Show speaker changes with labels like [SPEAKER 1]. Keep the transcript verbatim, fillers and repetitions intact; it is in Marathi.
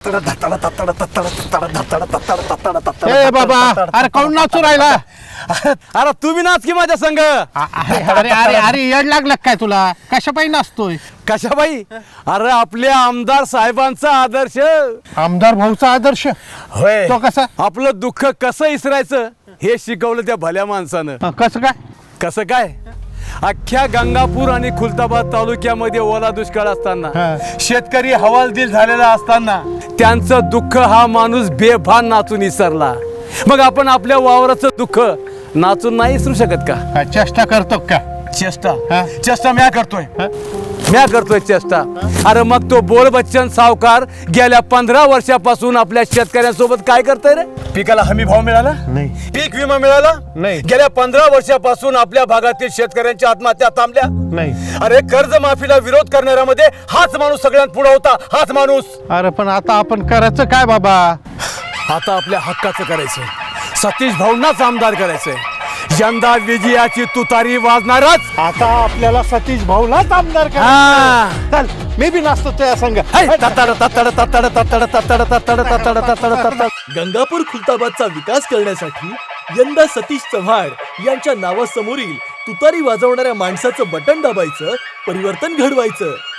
[SPEAKER 1] ए बाबा, अरे काऊन नाचू राहिला?
[SPEAKER 2] अरे तुम्ही नाच की माझ्या संग.
[SPEAKER 1] अरे अरे अरे अरे येड लागलं काय तुला? कशा पायी नाचतोय?
[SPEAKER 2] कशाबाई? अरे आपल्या आमदार साहेबांचा आदर्श.
[SPEAKER 1] आमदार भाऊचा आदर्श
[SPEAKER 2] होय.
[SPEAKER 1] तो कसा?
[SPEAKER 2] आपलं दुःख कसं इसरायचं हे शिकवलं त्या भल्या माणसानं.
[SPEAKER 1] हं, कसं काय?
[SPEAKER 2] कसं काय? अख्ख्या गंगापूर आणि खुलताबाद तालुक्यामध्ये ओला दुष्काळ असताना,
[SPEAKER 1] हा.
[SPEAKER 2] शेतकरी हवालदिल झालेला असताना त्यांचं दुःख हा माणूस बेभान नाचून विसरला. मग आपण आपल्या वावराचं दुःख नाचून नाही विसरू शकत का?
[SPEAKER 1] हा, चेष्टा करतो का?
[SPEAKER 2] चेष्टा
[SPEAKER 1] हा.
[SPEAKER 2] चेष्टा म्या करतोय.
[SPEAKER 1] हा?
[SPEAKER 2] म्या करतोय चेष्टा. अरे मग तो बोल बच्चन सावकार गेल्या पंधरा वर्षापासून आपल्या शेतकऱ्यांसोबत काय करतोय रे? पिकाला हमी भाव मिळाला
[SPEAKER 1] नाही.
[SPEAKER 2] पीक विमा मिळाला
[SPEAKER 1] नाही.
[SPEAKER 2] गेल्या पंधरा वर्षापासून आपल्या भागातील शेतकऱ्यांच्या आत्महत्या थांबल्या
[SPEAKER 1] नाही.
[SPEAKER 2] अरे कर्ज माफीला विरोध करणाऱ्यामध्ये हाच माणूस सगळ्यात पुढे होता. हाच माणूस.
[SPEAKER 1] अरे पण आता आपण करायचं काय बाबा?
[SPEAKER 2] आता आपल्या हक्काचं करायचंय. सतीश भाऊंनाच आमदार करायचंय. यंदा विजयाची तुतारी वाजणारच.
[SPEAKER 1] आता आपल्याला सतीश भाऊलाच आमदार
[SPEAKER 2] हा.
[SPEAKER 1] करायचं. चल मी बी नाचतो त्या संग.
[SPEAKER 2] है, तत्तड, तत्तड, तत्तड, तत्तड, तत्तड, तत्तड, तत्तड, तत्तड, तत्तड.
[SPEAKER 3] गंगापूर खुलताबादचा विकास करण्यासाठी यंदा सतीश चव्हाण यांच्या नावासमोरील तुतारी वाजवणाऱ्या माणसाचं बटन दाबायचं, परिवर्तन घडवायचं.